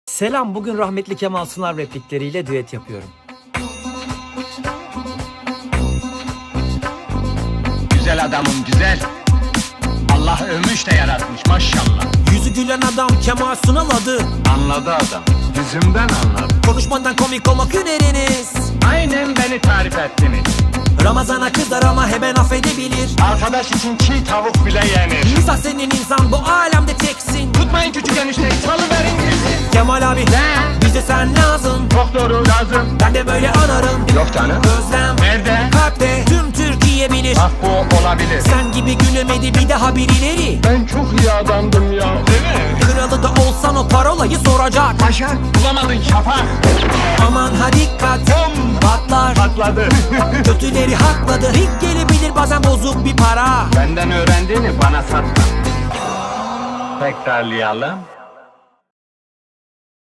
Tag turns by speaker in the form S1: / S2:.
S1: Selam, bugün rahmetli Kemal Sunal replikleriyle düet yapıyorum.
S2: Güzel adamım güzel. Allah övmüş de yaratmış maşallah.
S1: Yüzü gülen adam Kemal Sunal adı.
S2: Anladı adam. Yüzümden anladı.
S1: Konuşmadan komik olmak hüneriniz.
S2: Aynen beni tarif ettiniz.
S1: Ramazana kızar ama hemen affedebilir.
S2: Arkadaş için çiğ tavuk bile yenir.
S1: İnsan senin insan, bu alemde teksin.
S2: Tutmayın küçük enişteyi, salıverin girsin.
S1: Kemal abi, bize sen lazım.
S2: Çok doğru lazım.
S1: Ben de böyle anarım.
S2: Yok canım.
S1: Özlem
S2: Nerede?
S1: kalpte, tüm Türkiye bilir.
S2: Bak bu olabilir.
S1: Sen gibi gülemedi bir daha birileri.
S2: Ben çok iyi adamdım ya. Değil mi?
S1: Kralı da olsan o parolayı soracak.
S2: Başak bulamadın şafak.
S1: Aman ha dikkat, patlar.
S2: Patladı.
S1: Kötüleri hakladı. Rik gelebilir bazen bozuk bir para.
S2: Benden öğrendiğini bana satma. Tekrarlayalım.